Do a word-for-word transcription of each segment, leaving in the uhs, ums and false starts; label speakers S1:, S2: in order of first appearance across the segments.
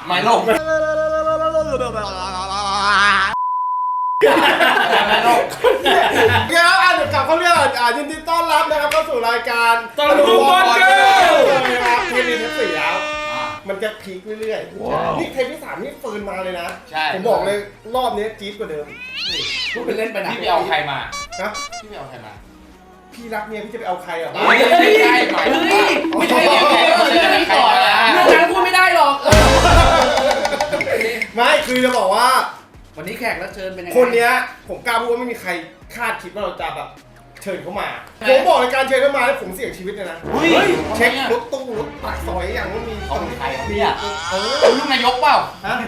S1: ไม่ลงไม่ลง
S2: เดี๋ยวอ่านกลับเขาเรียกอ่ายินดีต้อนรับนะครับเข้าสู่รายการตลกบอลเกลนะครับที่มีทั้งสี่แล้วมันจะพีคเรื่อยๆนี่เทปที่สามนี่เฟิร์นมาเลยนะผมบอกเลยรอบนี้จี๊ดกว่าเดิม
S1: พูดเป็นเล่นไปนะพี่ไปเอาใครมา
S2: ฮะ
S1: พี่ไปเอาใครมา
S2: พี่รักเมียพี่จะไปเอาใครอ่ะ
S1: ไม่ใช่หมายถึงไม่ใช่เมียพี่ไม่ต่อนะเรื่องนั้นพูดไม่ได้หรอก
S2: ไม่คือจะบอกว่า
S1: วันนี้แขกรับเชิญเป็นยังไง
S2: คนเนี้ยผมกล้าพูดว่าไม่มีใครคาดคิดว่าเราจะแบบเชิญเขามาผมบอกในการเชิญเขามาแล้วผมเสี่ยงชีวิตเลยนะเช็ครถตู้รถปากซอยอย่างว่ามี
S1: เขาเป็นใครเนี่ยเออลูกนายกเปล่า
S2: ฮะ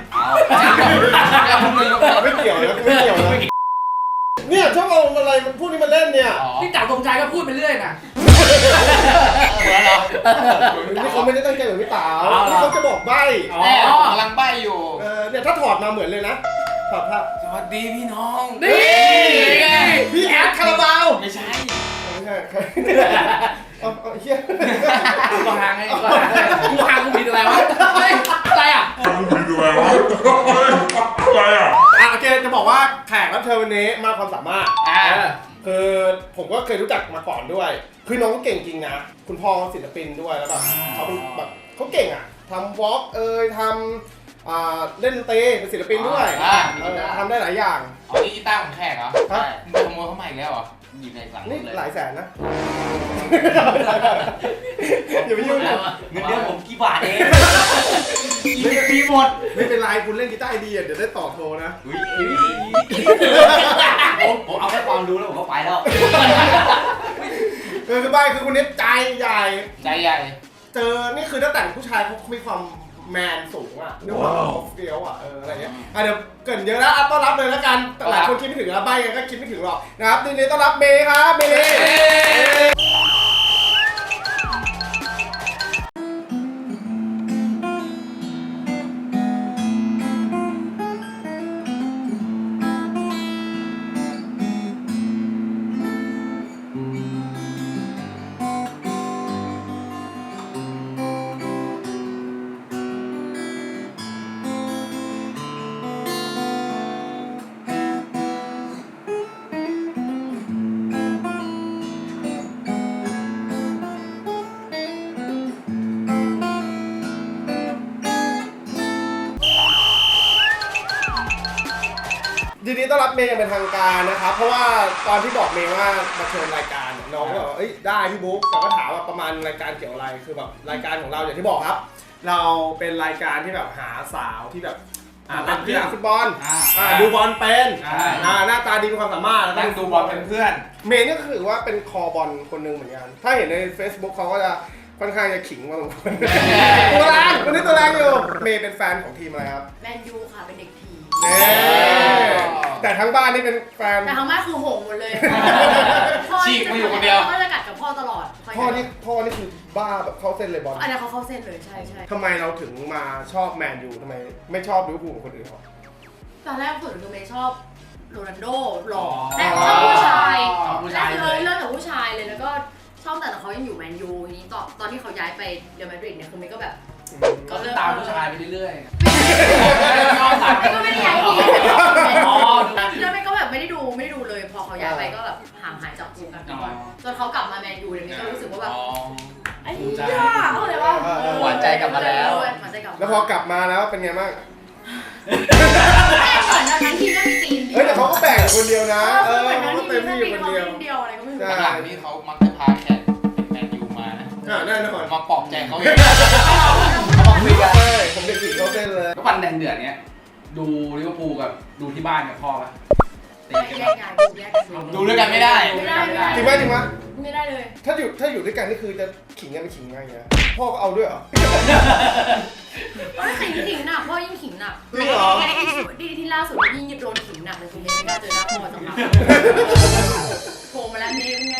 S1: ไม่
S2: เกี่ยวนะไม่เกี่ยวนะเนี่ยชอบเอาอะไรมันพูดนี่มาเล่นเนี่ย
S1: พี่จ๋าตรงใจก็พูดไปเรื่อยนะเหมือนเหรอ
S2: นี่เขาไม่ได้ตั้งใจเหมือนพี่ต๋าที่เขาจะบอกใบ้
S1: กำลังใบ้อยู่
S2: เออเนี่ยถ้าถอดมาเหมือนเลยนะถอดภาพ
S1: สวัสดีพี่น้อง
S2: นี่พี่แอดคาราบาว
S1: ไม่ใช่
S2: ไม่ใช่เอาเอาเฮีย
S1: กูห่างไงกูห่างกูผิดอะไรวะอะไรอ่ะ
S3: กูผิดอะไรวะอะไรอ่ะ
S2: อ่ะโอเคจะบอกว่าแขกรับเชิญวันนี้มาความสามารถคือผมก็เคยรู้จักมาก่อนด้วยคือน้องก็เก่งจริงนะคุณพ่อศิลปินด้วยแล้วแบบเขาเป็นแบบเขาเก่งอ่ะทำวอล์กเอ่ยทำเล่นดนตรีเป็นศิลปินด้วยทำได้หลายอย่าง
S1: อ๋อนี่กีตาร์ของแขกเหรอใช่มึงขโมยเข้ามาอีกแล้วเหรอหยิบในหลัง
S2: นี่หลายแสนนะ
S1: อย่าไปยุ่งนะเงินเดือนผมกี่บาทเองไม่ปีหมด
S2: ไม่เป็นไรคุณเล่นกีตาร์ไอเดียเดี๋ยวได้ต่อโทรนะ
S1: ผมผมเอาแค่ความรู้แล้วผมก็ไปแล้ว
S2: คือคือบ้านคือคุณเน็ตใจใหญ่
S1: ใจใหญ่
S2: เจอนี่คือตั้งแต่ผู้ชายเขามีความแมนสูงอ่ะด้วยความเฟี้ยวอ่ะเอออะไรเงี้ยอ่ะเดี๋ยวเกินเยอะแล้วต้อนรับเลยแล้วกันหลายคนคิดไม่ถึงแล้วใบกันก็คิดไม่ถึงหรอกนะครับทีนี้ต้อนรับเมย์ครับเมย์ทีนี้ต้อนรับเมย์อย่างเป็นทางการนะครับเพราะว่าตอนที่บอกเมย์ว่ามาเชิญรายการน้องก็บอกว่าเอ้ยได้พี่บุ๊กแต่ก็ถามว่าประมาณรายการเกี่ยวอะไรคือแบบรายการของเราอย่างที่บอกครับเราเป็นรายการที่แบบหาสาวที่แบบเล่นกีฬาฟุตบอลดูบอลเป็นหน้าตาดีมีความสามารถ
S1: แล้วดูบอลเป็นเพื่อน
S2: เมย์นี่ก็คือว่าเป็นคอบอลคนหนึ่งเหมือนกันถ้าเห็นใน Facebook เขาก็จะค่อนข้างจะขิงมาสมควรตัวแรงคนนี้ตัวแรงอยู่เมย์เป็นแฟนของทีมอะไรครับ
S4: แมนยูค่ะเป็นเด็กผี
S2: แต่ทั้งบ้านนี่เป็นแฟน
S4: แต่ทั้งบ้านคือหงหมดเลย
S1: ฉีกมาอยู่คนเดียว
S4: พ่อจะกัดกับพ่อตลอด
S2: พ่อนี่พ่อนี่คือบ้าแบบเข้าเส้นเลยบอล
S4: อันนี้เขาเข้าเส้นเลยใช่ใช่
S2: ทำไมเราถึงมาชอบแมนยูทำไมไม่ชอบลิเวอร์พูลคนอื่นเขา
S4: ตอนแรกส่วนตัวเมย์ชอบโรนัลโดหล่อแต่ชอบผู้ชายนั่นเลยเริ่มจากผู้ชายเลยแล้วก็ชอบแต่เขายังอยู่แมนยูทีนี้ตอนตอนที่เขาย้ายไปเรอัลมาดริดเนี่ยคือเมย์ก็แบบ
S1: ก็เริ่มตามผู้ชายไปเรื่อย
S4: ๆก็ไม่ได้ย้ายทีแล้วเมย์ก็แบบไม่ได้ดูไม่ได้ดูเลยพอเขาย้ายไปก็แบบห่างหายจากวงการฟุตบอลจนเขากลับมาแมนยูเนี่ยเมย์ก็รู้สึกว่าแบบไอ้ย่าเขาเลยว่า
S1: หวานใจกลับมาแล้ว
S2: แล้วพอกลับมาแล้วเป็นไงบ้าง
S4: เหมือนนั้นทีก็มีตีน
S2: เฮ้ยแต่เขาก็แบ่งคนเดียวนะ
S4: เออเขาก็เต็มที่อยู่คนเดียวเดียวอะไรก็ไม่รู้
S1: หลังนี้เขามักจะพาแขกแมนยูมานะ
S2: แน่นอน
S1: มาปลอบใจเขาเอง
S2: เขาบอกคุยกันเลยผมเด็กผีเขาเต้นเลย
S1: ก็วันแดนเดือดเนี้ยดูลิเวอร์พูลกับดูที่บ้านกับพ่อปะดูด้วยกันไม่ได้
S2: จริงไหมจริงไหม
S4: ไม่ได้เลย
S2: ถ้าอยู่ถ้าอยู่ด้วยกันนี่คือจะขิงกันไปขิงไงเงี้ยพ่อก็เอาด้วยเหรอ
S4: พ่อขิงขิงหนักพ่อยิ่งขิงหนัก
S2: จริงเหรอ
S4: ที่ที่ล่าสุดยิ่งโดนขิงหนักเลยคุณเมย์ไม่กล้าเจอหน้าพ่อสักพักโผล่มาแล้วเมย์เป็นไง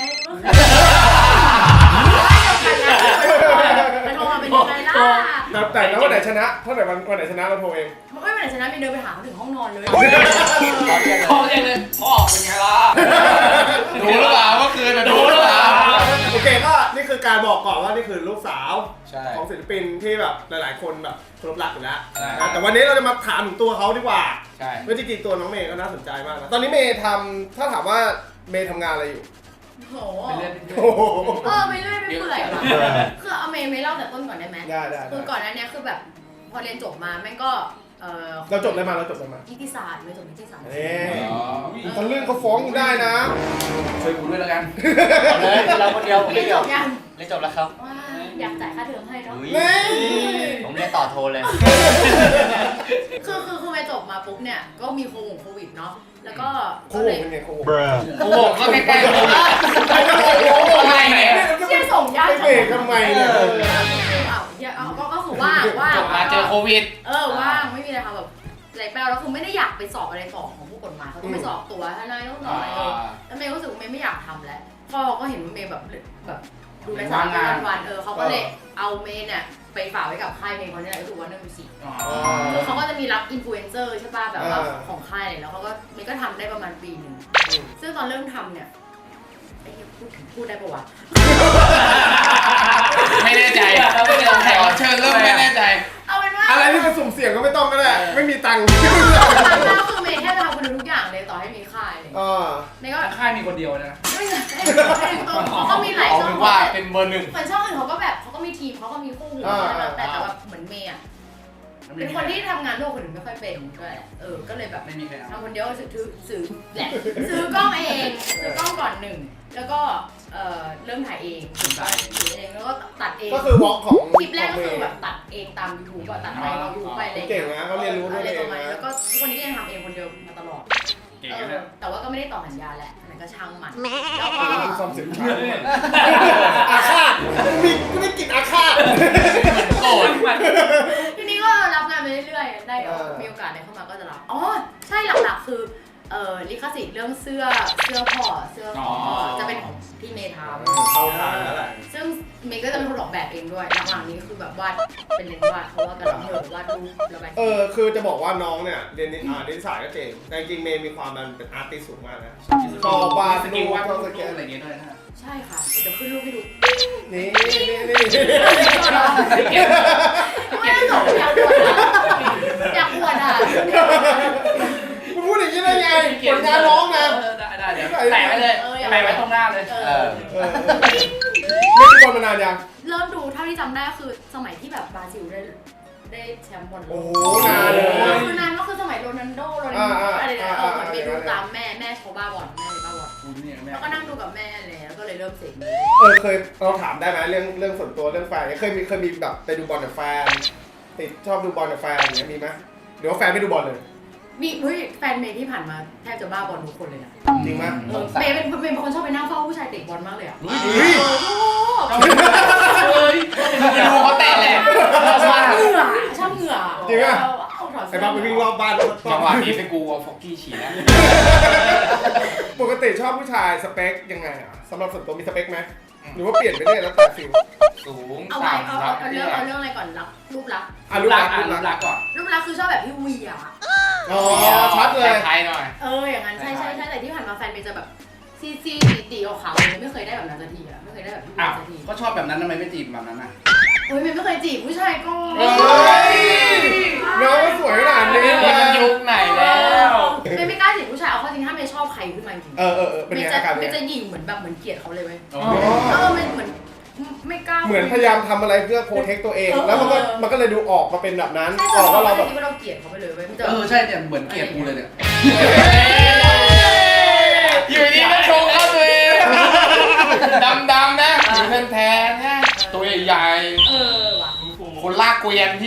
S4: ไปโทรมาเป็นยังไงล่ะ
S2: แต่แล้ววันไหนชนะเท่าไหร่วันวันไหนชนะเราโทรเอง
S4: ไม่วันไหนชนะมีเดินไปหาเขาถึงห้องนอนเลย
S1: พ่อเรียกเลยพ่อเป็นไงล่ะดูหรือเปล่าเมื่อคืนดูหรือเปล่า
S2: โอเคก็นี่คือการบอกก่อนว่านี่คือลูกสาว
S5: ใช่
S2: ของศิลปินที่แบบหลายๆคนแบบเคารพรักอยู่แล้ว
S5: ใช่
S2: นะแต่วันนี้เราจะมาถามถึงตัวเขาดีกว่า
S5: ใช่
S2: เมื่อจริงๆตัวน้องเมย์ก็น่าสนใจมากนะตอนนี้เมย์ทำถ้าถามว่าเมย์ทำงานอะไรอยู่
S4: โห
S5: เป็นเรื่องเป็นเรื่
S2: โอ้
S5: อง
S2: โห
S4: เออไม่เรื่อยไม่เปื่อยว่ะคือเอาเมย์ไม่เล่าแต่ต้นก่อนได้ไหม
S2: ได้ได้
S4: คือก่อนหนั้นเนี้ยคือแบบพอเรียนจบมาแม่งก็เออ
S2: เราจบได้มาเราจบได้มา
S4: นิติศาสตร์ไม่จบนิติศาสตร์
S2: เอ๊ะ
S5: อ๋อ
S2: ทะลึ่งเขาฟ้องกูได้นะ
S5: ช่วยกูด้วยแล้วกัน
S1: เอาเลยเราคนเดียวผม
S4: เรี
S1: ไม่
S4: ยน
S1: เกี่
S4: จ
S1: ยว
S4: บยัง
S1: เรียนจบแล้วครับ
S4: ว้าอยากจ่ายค่าเทอมให้เนาะ
S1: อุ๊ย
S2: นี่
S1: ผมเรียนต่อโทเลย
S4: คือคือคือไปจบมาปุ๊บเนี่ยก็มีโควิดโควิดเนาะแล้วก็
S2: โค
S4: ก็
S2: วิ
S4: เล
S2: ด
S4: ย
S2: เป็นไงโควิด
S5: โอ้โหก็ใกล้ๆโควิด
S2: ไอ้เจ้าโควิด
S5: อะไรเนี่ย
S4: เชี่ยส่งยาก
S2: ไปเบรกทำไมเนี่ย
S4: เออเอาเหี้ยเอาก็ก็คือว่างว่าง
S5: จบมาเจอโควิด
S4: เออว่างไม่มีอะไรทำแบบไรแปลแล้วคือไม่ได้อยากไปสอบอะไรต่อของผู้กฎหมายเขาต้องไปสอบตัวทนายต้องสอบอะไรเองแล้วเมย์รู้สึกว่าเมย์ไม่อยากทำแล้วพ่อก็เห็นว่าเมย์แบบแบบดูในสารวันวันเออเขาก็เลยเอาเมย์เนี่ยไปฝากไว้กับค่ายเพลงเขาเนี่ยก็คือวันเดอร์มิวสิก
S5: อ๋อ
S4: คือเขาก็จะมีรับอินฟลูเอนเซอร์ใช่ป่ะแบบว่าของค่ายเลยแล้วเขาก็เมย์ก็ทำได้ประมาณปีหนึ่งซึ่งตอนเริ่มทำเนี่ยไอ้เหี้ยพูดถึงพูดได้ปะวะ
S5: ไม่แน่ใจแขกรับเชิญเริ่มไม่แน่ใจ
S4: เอาเป็นว่า
S2: อะไรที่มันสุ่มเสี่ยงก็ไม่ต้องก็ได้ไม่มีตังค์
S4: ตอนแรกคือเมย์แค่จะทำคนเดียวทุกอย่างเลยต่อให้มีค่ายเลย
S2: เออ
S4: เมย์ก็
S5: ค่ายมีคนเดียวนะ
S4: ไม่ใช่เขาก็มีหลาย
S5: เอา
S4: ช่อง
S5: เป็นว่าเป็นเบอร์หนึ่ง
S4: เหมือนช่องอื่นเขาก็แบบเขาก็มีทีมเขาก็มีคู่หูแต่แต่แต่แบบเหมือนเมย์อะเป็นคนที่ทำงานร่วมคนอื่นไม่ค่อยเป็นด้วยเออก็เลยแบบ
S5: ไม่มีใครเอา
S4: ทำคนเดียวซื้อซื้อแหละซื้อกล้องเองซื้อกล้องก่อนหนึ่งแล้วก็เอ่อเริ่มถ่ายเองถือเองแล้วก็ตัดเอง
S2: ก็คือวอล์กของ
S4: คลิปแรกก็คือแบบตัดเองตาม YouTube ก่อนตัดไปเรายูไปอะไร
S2: เก่งนะเขาเรียนรู้ด้วย
S4: อะไร
S2: เอ
S4: ป
S2: ง
S4: ระมาณ
S2: นะ
S4: นี้แล้วก็ทุกวันนี้ก็ยังทำเองคนเดียวมาตลอด
S5: เก่ง
S4: เออ
S5: นะ
S4: แต่ว่าก็ไม่ได้ต่อสัญญาแหละมันก็ช่างมันแล้วก็
S2: มีความสินค้าอาฆาตมีก็ได้กลิ่นอาฆาต
S5: โกรธ
S4: ทีนี้ก็รับงานไปเรื่อยๆได้
S2: เออ
S4: มีโอกาสได้เข้ามาก็จะรับอ๋อใช่หลักๆคือเอ่อลิขสิทธิ์เรื่องเสื้อเสื้อพ่อเสื้อของพ่อจะเป็นของพี่เมย์ทำ
S2: เข้าทางแล้วแหละ
S4: ซึ่งเมย์ก็จะเป็นคนออกแบบเองด้วยหลังๆนี้คือแบบวาดเป็นเลนส์วาดเพราะว่ากันเหนื่อยวาดรูประบาย
S2: เออคือจะบอกว่าน้องเนี่ยเรียนนิอ่านิสายก็เจ๋งแต่จริงๆเมย์มีความมันเป็นอาร์ติสสูงมากนะชอบวาด
S5: ส
S2: รู
S5: กิล
S2: ป
S5: วาด
S2: ช
S5: รู
S2: อบ
S5: ป
S2: สเก็ต
S5: อะไรอย่างเงี้ยด้วยนะ
S4: ใช่ค่ะเดี๋ยวขึ้นรูปให้ดู
S2: นี่นี่นี่
S4: ไม่ได้ส่งอยากอวดอะอยากอวดอ่ะ
S2: มึงพูดอย่างนี้ได้ไงผลงานน้องนะ
S5: ได้ได้เดี๋ยวแปะไว้เลยแปะไว้ตรงหน้าเลย
S4: เอ
S1: เอ
S4: อ
S1: อ
S2: เออไม่ได้บอลมานานยัง
S4: เริ่มดูเท่าที่จำได้คือสมัยที่แบบบราซิลได้ได้แชมป์บอลโล
S2: โอ้
S4: ก
S2: โหนานเลย
S4: คือนานก็คือสมัยโรนัลโดโรนัลโดอะไรเนี่ยเออเหมือนไปดูตามแม่แม่เขาบ้าบอลแม่บ้าบอล
S5: กูเนี่ยแม่
S4: แล้วก็นั่งดูกับแม่เลยแล้วก็เลยเริ่มเสกมือ
S2: เออเคยเราถามได้ไหมเรื่องเรื่องส่วนตัวเรื่องแฟนเคยมีเคยมีแบบไปดูบอลกับแฟนติดชอบดูบอลกับแฟนอย่างเงี้ยมีไหมหรือว่าแฟนไม่ดูบอลเลย
S4: มีเฮ้ยแฟนเมย์ที่ผ่านมาแทบจะบ้าบอลทุกคนเลยนะ
S2: จริงไหม
S4: เออเมย์เป็นเมย์เป็นคนชอบไปนั่งเฝ้าผู้ชายเตะบอลมากเลยอ่ะ
S2: เฮ้ย
S4: โอ้โห
S5: เฮ้ยไปดูเขาเตะแหละ
S4: ชอบเหงื่อชอบเหงื่อ
S2: จริงอ่ะ
S4: เอาถอด
S2: ไอ้
S4: เสื้อ
S2: บ้าไปวิ่งรอบบ้าน
S5: จังหวะนี้เป็นกูเอาฟอกกี้ฉี่นะ
S2: ปกติชอบผู้ชายสเปคยังไงอ่ะสำหรับส่วนตัวมีสเปคไหมหรือว่าเปลี่ยนไปเรื่อยแล้วแต่ฟิล
S5: สูง
S4: เอาไปเอาเอาเอาเรื่องเอาเรื่องอะไรก่อนรักรูปลักษณ์
S2: อ่ะ
S5: รู
S2: รู
S5: ป
S2: ป
S5: ลั
S2: ลั
S5: ก
S2: ก
S5: ษ
S2: ษ
S5: ณ์
S2: ณ์รูป
S5: รู
S2: ลั
S5: ป
S2: กษณ์
S5: ลักษณ์ก่อน
S2: อ๋
S4: รูปลักษณ์คือชอบแบบพี่เวีย
S2: อชัดเลย
S5: ไทยหน่อย
S4: เอออย่างนั้นใช่ใช่ใช่แต่ที่ผ่านมาแฟนเมย์จะแบบซีซีตีตีขาวๆเลยไม่เคยได้แบบนั้นสักทีอะไม่เคยได้แบบพี่เวี
S5: อ้า
S4: ยว สักที
S5: ก็ชอบแบบนั้นทำไมไม่จีบแบบนั้นอ่ะ
S4: โอ้ยเมย์ไม่เคยจีบผู้ชายก็
S2: เฮ้ยน้องก็สวยขนาดนี้
S5: นี่มันยุคไหนแล้ว
S4: เมย์ไม่กล้าจีบผู้ชายเอาเข้อจริงถ้าเมย์ชอบใครขึ้นมาจริง
S2: เออเออเออเป็น
S4: เม
S2: ไง
S4: ย์จะ
S2: อาการ
S4: เม
S2: เป็น
S4: ย์
S2: ไง
S4: จะหยิ่งเหมือนแบบเหมือนเกลียดเขาเลยเว้ย
S5: อ๋อ
S4: เออมันเหมือนไม่กล้า
S2: เหมือนพยายามทำอะไรเพื่อโปรเทคตัวเอง
S4: เออ
S2: แล้วมันก็มันก็เลยดูออกมาเป็นแบบนั้น
S4: ใช่
S2: ออกว่าเรา
S4: เรา
S2: แบบ
S4: ที่ว่าเราเกลียดเขาไปเลยเว้ยมันจะ
S5: เออใช่เนี่ยเหมือนเกลียดกูเลยเนี่ยอยู่ดีก็ชงเข้าตัวเองดำๆนะอยู่แทนๆนะตัวใหญ่
S4: เออว่ะ
S5: ๆคนลากเกวียนพี่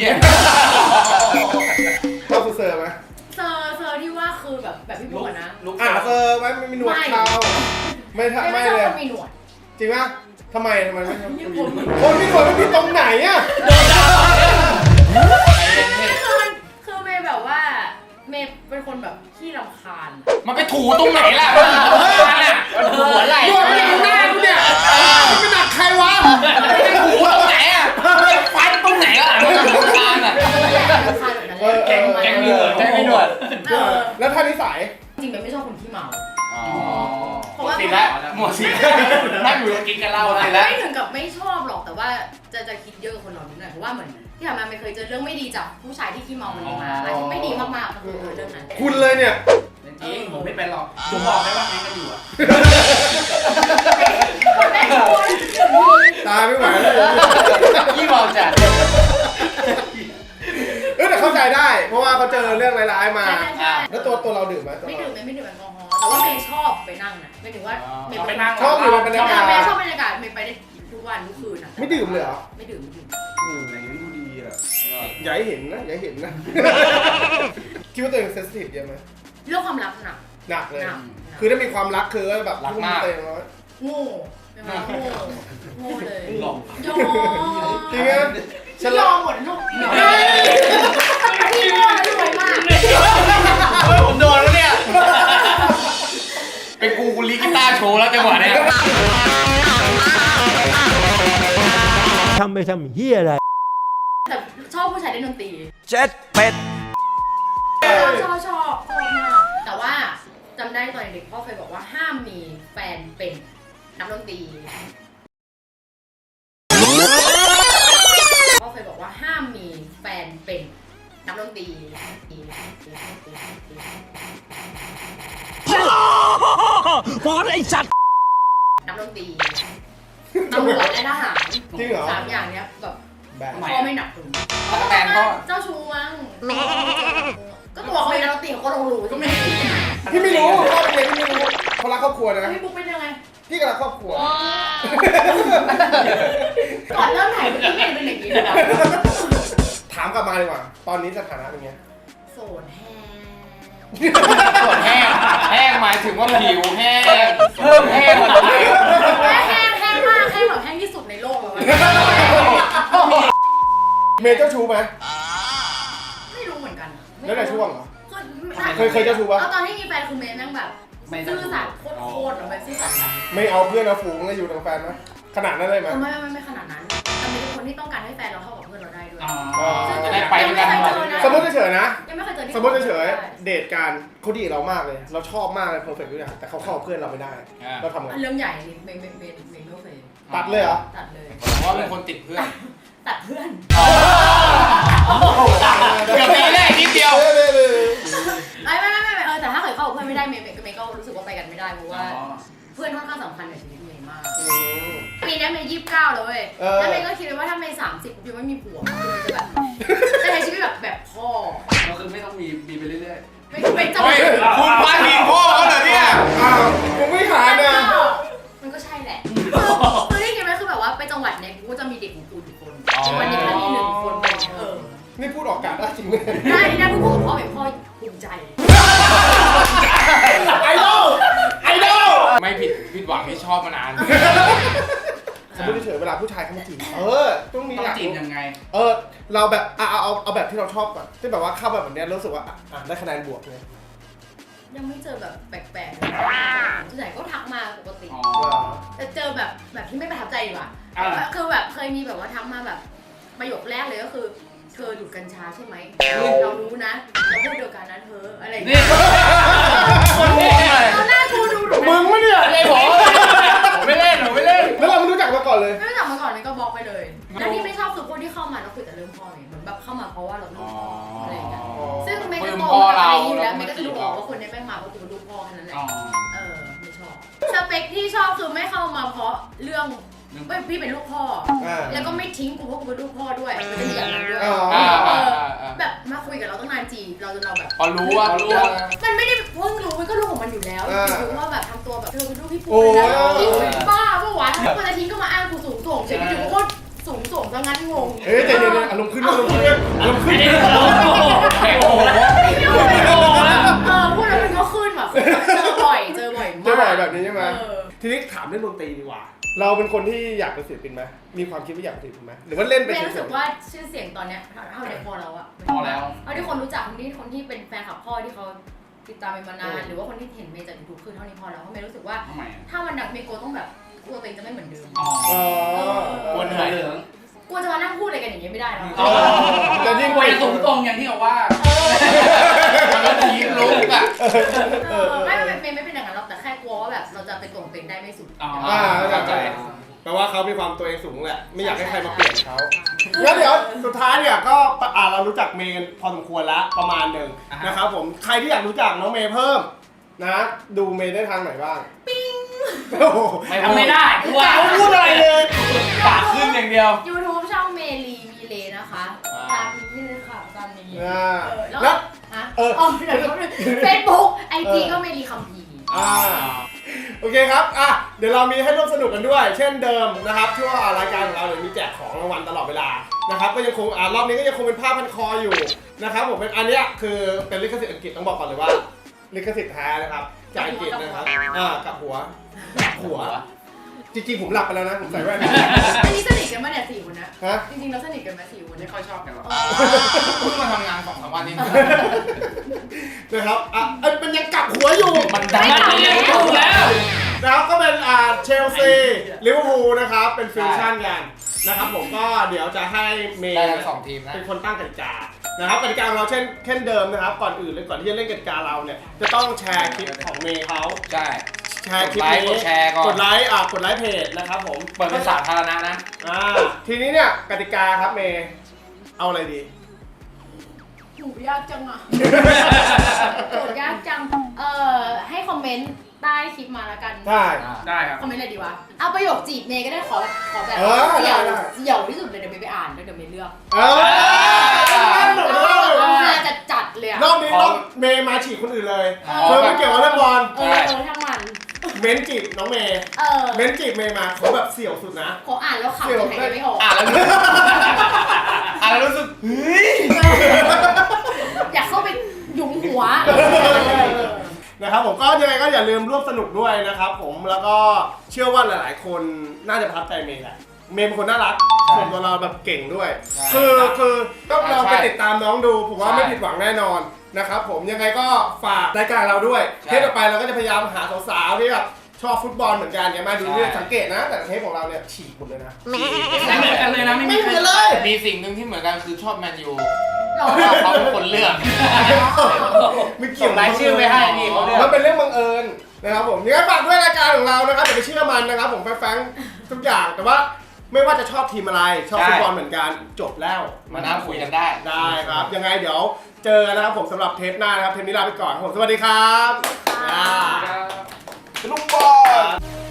S2: ชอบเซอร์ไหม
S4: เซอร์เซอร์ที่ว่าคือแบบแบบพี่บัวนะ
S5: ลุก
S2: อ่ะเซอร์ไหมไม่มีหนวดเขาไม่ทำ
S4: ไม่
S2: ไม่
S4: ชอบ
S2: เลย
S4: คนมีหนวด
S2: จริงปะทำไมทำไมไม่ชอบ
S4: ยังคนมีหนวด
S2: คนมีหนวดมันผิดตรงไหนอ่ะ
S4: คือมันคือเมย์แบบว่าเมย์เป็นคนแบบขี้รำคาญ
S5: มันไปถูตรงไหนล่ะมันถูตรงไหนล่ะมันถูหัวไหล่
S2: หนวดมันอยู่หน้ากูเนี่ยมันเป็นหนักใครวะ
S5: มันไปถูตรงไหนอ่ะฟันตรงไหนล่ะมันถูคานอ่ะ
S4: รำคาญแบบนั้น
S2: เออ
S4: แกง
S5: แกงมีหนวดแกงมีหนวด
S4: เออ
S2: แล้วถ้านิสัย
S4: จริงๆเมย์ไม่ชอบคนขี้เมา
S5: อ๋อ
S4: เพราะว่า
S5: ติดแล้วหมดสิทธิ์นั่งอยู่กินกันเหล้าติดแล้ว
S4: ไม่ถึงกับไม่ชอบหรอกแต่ว่าจะจะคิดเยอะกับคนเรานิดหน่อยเพราะว่าเหมือนที่ผ่านมาไม่เคยเจอเรื่องไม่ดีจากผู้ชายที่ขี้เมาคนนี้มาอะไรที่ไม่ดีมากๆก็คือเรื่องนั้น
S2: คุณเลยเนี่ย
S1: จริงผมไม่เป็นหรอกผมบอกได้ว่าแม่งกันอยู่อะ
S2: ตายไม่ไหวแล้ว
S5: ยี่มองจัด
S2: เออแต่เข้าใจได้ เพราะว่าเขาเจอเรื่องร้ายๆมา
S4: ใช่ใช่
S2: แล้วตัวตัวเราดื่มไหมตัว
S4: ไม่
S2: เรา
S4: ดื่มไม่ดื่มแอลกอฮอล์แต่ว่าเมย์ชอบไปนั่งนะไม่ถึงว่าเมย์
S1: ไปนั่ง
S2: ชอบอยู่ในบรรยากาศ
S4: เมย์ชอบบรรยากาศเมย์ไปได้ทุกวันทุกคืนนะ
S2: ไม่ดื่มเลยเหรอ
S4: ไม่ดื่มไม่ดื่ม
S2: อืมอย่างนี้ดูดีอ่ะอย่าให้เห็นนะอย่าให้เห็นนะ คิดว่าตัวเองเซนซิทีฟเยอะไหม
S4: เรื่องความรักหนัก
S2: หนักเลย
S4: หนัก
S2: คือถ้ามีความรักคือแบบทุ่มเต็มแล้ว
S4: โง่ไม่มาโง่โง่เลย
S1: หลอก
S4: ยอม
S2: จริงไหม
S4: ฉันยอมหมดลูกพี่โง่แล้วรวยมาก
S5: เฮ้ยผมโดนแล้วเนี่ยเป็นกูกูลีกีตาร์โชว์แล้วจังหวะเนี้ย
S6: ทำไปทำเฮียอะไร
S4: แต่ชอบผู้ชายเล่นดนตรี
S6: เจ็ดเป็ด
S4: ชอบชอบชอบชอบมากแต่ว่าจำได้ตอนเด็กพ่อเคยบอกว่าห้ามมีแฟนเป็นนักดนตรีพ่อเคยบอกว่าห้ามมีแฟนเป็นนักดนตรี
S6: บอสไอ้สัตว์
S4: นักดนตรีตำรวจและทหาร
S2: จริงเหรอ
S4: สามอย่างเนี้ยแบบ
S2: แบบ
S4: พ่อไม่หนักถึง
S5: ตะแตนพ่อ
S4: เจ้าชู้มั้งก็ตัวเขาเป็นนักดนตรีเขาก็ต้องรู้ก็ไม่
S2: พี่ไม่รู้พ่อเป็นไงพี่ไม่รู้เขารักครอบครัวนะ
S4: พี่บุ๊กเป็นยังไง
S2: พี่ก็รักครอบครัว
S4: ก่อนเริ่มถ่ายพี่เป็นเป็นอย่างนี้เลย
S2: ถามกลับมาดีกว่า ตอนนี้สถานะเป็นไง
S4: โสดแห้ง
S5: ส่วนแห้งแห้งหมายถึงว่าผิวแห้งเพิ่มแห้งกว่าเดิม
S4: แห้งแห้งมากแห้งแบบแห้งที่สุดในโลกเลย
S2: เมย์เจ้าชู้ไหม
S4: ไม่รู้เหมือนกัน
S2: แล้วแต่ช่วงเหรอ
S4: เค
S2: เคยเคยเจ้าชู้ปะ
S4: เอาตอนที่มีแฟนคือเมย์นั่งแบบซื่อสัตย์โคตรๆแบบซื่อสัตย์แบบ
S2: ไม่เอาเพื่อนเอาฝูงแล้วอยู่ทางแฟนไหมขนาดนั้นเลยไหม
S4: ไม่ไม่ไม่ขนาดนั้นแต่เป็นคนที่ต้องการให้แฟนเราเท่ากับเพื่อนเราได้ด้วย
S5: จะได้ไปด้วยกันหมด
S2: สมมติเฉยๆนะ
S4: ยังไม่เคยเจอที่
S2: สมมติเฉยๆเดทกันเขาดีกับเรามากเลย เราชอบมากเลยเพอร์เฟกต์ทุกอย่างแต่เขาเข้ากับเพื่อนเราไม่ได้เราทำไง
S4: เรื่องใหญ่นี่เมย์เมย์เมย์เมย์ไม่เคย
S2: ตัดเลยเหรอ
S4: ตัดเลย
S5: เพราะว่าเป็นคนติดเพื่อน
S4: ตัดเพื่อน
S5: เกือบปีแรกนิดเดียว
S4: ไม่ไม่ไม่ไม่เออแต่ถ้าเกิดเข้ากับเพื่อนไม่ได้เมย์เมย์เมย์ก็รู้สึกว่าไปกันไม่ได้เพราะว่าเพื่อนค่อนข้างสำคัญกับชีวิตเมย์มาก ปีนี้เมย์ยี่สิบเก้าแล้วเว้ย แล้วเมย์ก็คิดเลยว่าถ้าเมย์สามสิบยังไม่มีผัวคือจะแบบจะใช้ชีวิตแบบแบบพ่อ
S1: เราคือไม่ต้องมีมีไปเรื่อย
S4: ไม่ไม่จะ
S5: เฮ้ยคุณพาดพิงพ่อเขาเหรอเนี่ย
S2: อ้าวผมไม่หา
S4: มัน
S2: นะ
S4: ก็มันก็ใช่แหละคือที่คิดไว้คือแบบว่าไปจังหวัดเนี่ยกูก็จะมีเด็กของกูอยู่คนวันนี้ถ้ามีหนึ่งคนเป็นเออ
S2: นี่พูดออกอากาศได้จริงไหม
S4: ได้ได้พูดกับพ่อแบบพ่อภูมิใจ
S2: ไอดอลไอดอล
S5: ไม่ผิดผิดหวังที่ชอบมานาน
S2: สมมติเฉยๆเวลาผู้ชายเขามาจีบเออต้องมี
S1: ๆต้อ
S2: ห
S1: ง
S2: ลัก
S1: จีบยังไง
S2: เออเราแบบเอาเอาเอาเอาแบบที่เราชอบก่อนที่แบบว่าเข้าแบบแบบเนี้ยรู้สึกว่าอ่านได้คะแนนบวกเลย
S4: ยังไม่เจอแบบแปลกๆส่วนใหญ่ก็ทักมาปกติ
S1: อ๋อ
S4: แต่เจอแบบแบบที่ไม่ประทับใจดีกว่า
S1: อ่า
S4: คือแบบเคยมีแบบว่าทักมาแบบประโยคแรกเลยก็คือเธอดูดกัญชาใช่ไหมเรารู้นะเราพูดเดียวกันนะเธออะไรอย่าง
S5: นี่
S4: เงี้ย
S5: คนนี้เลย
S4: ตอนหน้ากูดูดู
S2: มึงวะเนี่ย
S5: ไม่ผมผมไม่เล่นผมไม่เล่น
S2: แล้วเราไม่รู้จักมาก่อนเลย
S4: ไม่รู้จักมาก่อนเลยก็บล็อกไปเลยแล้วที่ไม่ชอบคือพวกที่เข้ามาแล้วคุยแต่เรื่องพ่อไงเหมือนแบบเข้ามาเพราะว่าเราลูกพ่ออะไรอย่างเงี้ยซึ่งเมย์ก็โตมากับอะไรอยู่แล้วเมย์ก็จะรู้ออกว่าคนนี้แม่งมาเพราะกูเป็นลูกพ่อแค่นั้นแหละ
S1: อ๋อ
S4: เออไม่ชอบสเปคที่ชอบคือไม่เข้ามาเพราะเรื่องเอ้ยพี่เป็นลูกพ่อ
S2: อ่า
S4: แล้วก็ไม่ทิ้งกูเพราะกูเป็นลูกพ่อด้วยไม่ได้มีอย่างนั้นด้วย
S2: อ๋อ
S5: อ่า
S4: เอ
S5: อ่า
S4: อ
S5: อ่า
S4: แบบมาคุยกับเราตั้งนานจีบเราจนเราแบบ
S5: พอรู้ว่ารู้ว่า
S4: มันไม่ได้เพิ่งรู้มันก็รู้ของมันอยู่แล้ว
S2: อ่า
S4: รู้ว่าแบบทำตัวแบบเธอเป็นลูกพี่ปู
S2: โอ้ย
S4: นะพี่ปูเป็นบ้าปะวะมันจะทิ้งก็มาอ้างกูสูงส่งเฉยอยู่ก็สูงส่งซะงั้นงง
S2: เฮ้ยใจเย็นๆอารมณ์ขึ้นอารมณ์ขึ้นอารมณ์ขึ้น
S5: ไอ้โอ้โห
S4: เออพูดแล้วมันก็ขึ้นแบบเจอบ่อยเจอบ่อยมาก
S2: เจอบ่อยแบบนี้ใช่ไหม
S4: เออ
S2: ทีนี้ถามเรื่องดนตรีดีกว่า เราเป็นคนที่อยากเป็นศิลปินไหมมีความคิดว่าอยากเป็นศิลปินไหมหรือว่าเล่นไป
S4: เมย์
S2: เฉ
S4: รู้สึ
S2: ย
S4: กว่าชื่อเสียงตอนเนี้ยเท่าเด็กพอแล้วอะ
S5: พอแล้ว
S4: เอาที่คนรู้จักคนที่คนที่เป็นแฟนคลับพ่อที่เขาติดตามเมย์มานานหรือว่าคนที่เห็นเมย์จากยูทูบคือเท่านี้พอแล้วเพราะเมย์รู้สึกว่า
S1: ทำไมอ่ะ
S4: ถ้ามันดังเมย์กลัวต้องแบบกลัวตัวเองจะไม่เหมือนเดิม
S1: อ๋อ
S2: ๆอ๋อ
S5: กวนเหนื่อย
S1: เหลือง
S4: กลัวจะมานั่งพูดอะไรกันอย่างเงี้ยไม่ได้แล้ว
S2: อ๋อแต่ยิ่ง
S1: ไปสูงตรงอย่างที่เขาว่า
S5: มันก็ทีลุกอ่ะ
S4: เออไม่ไม่เมย์ไม่เป็นอย่างนั้นหรอกแต่แค่กลัวว่าแบบเราจะไปตรงเป็นสุด
S5: อ๋อ
S2: อ่าเข้า
S5: เข้า
S2: ใจ
S5: ใจ
S2: แปลว่าเขามีความตัวเองสูงแหละ ไม่อยากให้ใครมาเปลี่ยนเขาแล้วเดี๋ยวสุดท้ายเนี่ยก็อ่าเรารู้จักเมย์กันพอสมควรแล้วประมาณหนึ่งนะครับผมใครที่อยากรู้จักน้องเมย์เพิ่มนะดูเมย์ได้ทางไหนบ้างปิ้งโอ้โห
S5: ไม่ทำไม่ได้กูว่า
S2: เขาพูดอะไรเลย
S5: ปากขึ้นอย่างเดียว
S4: YouTube ช่องเมลีมีเลนะคะตามนี้เลยค่ะตามนี้
S2: อ่า
S4: เออ
S2: แล้
S4: แล้ว
S2: ว
S4: ฮะ
S2: เออ
S4: อ๋อเดี๋ยวเฟซบุ๊กไอจีก็เมลีคัมพีร์
S2: อ่าโอเคครับอ่ะเดี๋ยวเรามีให้ร่วมสนุกกันด้วย เช่นเดิมนะครับช่วงรายการของเราเนี่ยมีแจกของรางวัลตลอดเวลานะครับก็ยังคงอ่ารอบนี้ก็ยังคงเป็นผ้าพันคออยู่นะครับผมเป็นอันเนี้ยคือเป็นลิขสิทธิ์อังกฤษต้องบอกก่อนเลยว่าลิขสิทธิ์แท้นะครับจากอังกฤษนะครับอ่ากับหัวกับหัวจริงๆผมหลับไปแล้วนะผมใส่แว่น
S4: อันนี้สนิทกันมาเนี่ยสี่คนนะ
S2: ฮะ
S4: จริงๆเราสนิทกันไหมสี่คน
S5: ไม่
S4: เนี่ย
S5: ค่อยชอบกันหรอกเพิ่งมาทำงานสองสามวันนี้
S2: นะครับอ่ะเอ้ยมันยังกลับหัวอยู่
S5: มันดังมันยังถูกแล้ว
S2: นะครับก็เป็นอ่าเชลซีลิเวอร์พูลนะครับเป็นฟิวชั่นกันนะครับผมก็เดี๋ยวจะให้เมย์
S5: ได้ทั้งสองทีมนะ
S2: เป็นคนตั้งกติกานะครับกติกาของเราเช่นเช่นเดิมนะครับก่อนอื่นเลยก่อนที่จะเล่นกติกาเราเนี่ยจะต้องแชร์คลิปของเมย์เขา
S5: ใช่
S2: แชร์คลิป
S5: กดไลค์
S2: นี้
S5: กดแชร์ก่อน
S2: กดไลค์อ่ะกดไลค์เพจนะครับผม
S5: เปิดเป็นสาธารณะนะ
S2: อ่าทีนี้เนี่ยกติกาครับเมย์เอาอะไรดี
S4: หนูยากจังอ่ะโจทย์ยากจัง เอ่อ ให้คอมเมนต์ใต้คลิปมาแล้วกัน
S2: ได้
S5: ได้ครับ
S4: คอมเมนต์อะไรดีวะ เอาประโยคจีบเมย์ก็ได้ขอขอแบบ
S2: เออ
S4: เสี่ยว
S2: ได้ได้
S4: เสี่ยวที่สุดเลยเดี๋ยวเมย์ไปอ่านแล้วเดี๋ยวเมย์เลือก
S2: เออ
S4: เอาฮาจัดจัดๆเลยอ่ะ
S2: รอบนี้รอบเมย์มาฉีกคนอื่นเลย
S4: เอ
S2: เธอไม่เกี่ยวกับเรื่องบอล
S4: เออเออทั้งวัน
S2: เม้นจีบน้องเมย์
S4: เออ
S2: เม้นจีบเมย์มาเขาแบบเสี่ยวสุดนะ
S4: ขออ่านแล้วขำจะหายใจไม่ออก
S5: อ่านแล้วรู้อ่านแล้วรู้สึกเฮ้ย
S4: อยากเข้าไปหยุมหัว
S2: นะครับผมก็ยังไงก็อย่าลืมร่วมสนุกด้วยนะครับผมแล้วก็เชื่อว่าหลาย ๆ คนน่าจะประทับใจเมย์แหละเมย์เป็นคนน่ารักส่วนตัวเราแบบเก่งด้วย คือคือก็ลองไปติดตามน้องดูผมว่าไม่ผิดหวังแน่นอนนะครับผมยังไงก็ฝากรายการเราด้วยเทปต่อไปเราก็จะพยายามหาสาวๆที่แบบชอบฟุตบอลเหมือนกันเนี่ยมาดูเนี่ยสังเกตนะ แต่เทปของเราเนี่ยฉีกหมดเลยนะ
S5: ไม่เหมือนกันเลยนะไม่
S2: ไม่
S5: มี
S2: เหมือนเลย
S5: มีสิ่งหนึ่งที่เหมือนกันคือชอบแมนยู
S4: หรอ
S5: เขาเป็นคนเลือก
S2: ไม่เกี่ยว
S5: ส่งรายชื่อไปให้นี่เขาเลือก
S2: มันเป็นเรื่องบังเอิญนะครับผมยังไงฝากด้วยรายการของเรานะครับอย่าไปเชื่อมันนะครับผมแฟงๆทุกอย่างแต่ว่าไม่ว่าจะชอบทีมอะไรชอบฟุตบอลเหมือนกันจบแล้ว
S5: มานั่งคุยกันได้
S2: ได้ครับ ยังไงเดี๋ยวเจอกันนะครับผมสำหรับเทปหน้านะครับ เทปนี้ลาไปก่อนครับผมสวัสดีครับ
S4: ค่ะ
S2: อ่า
S5: ลูกบอล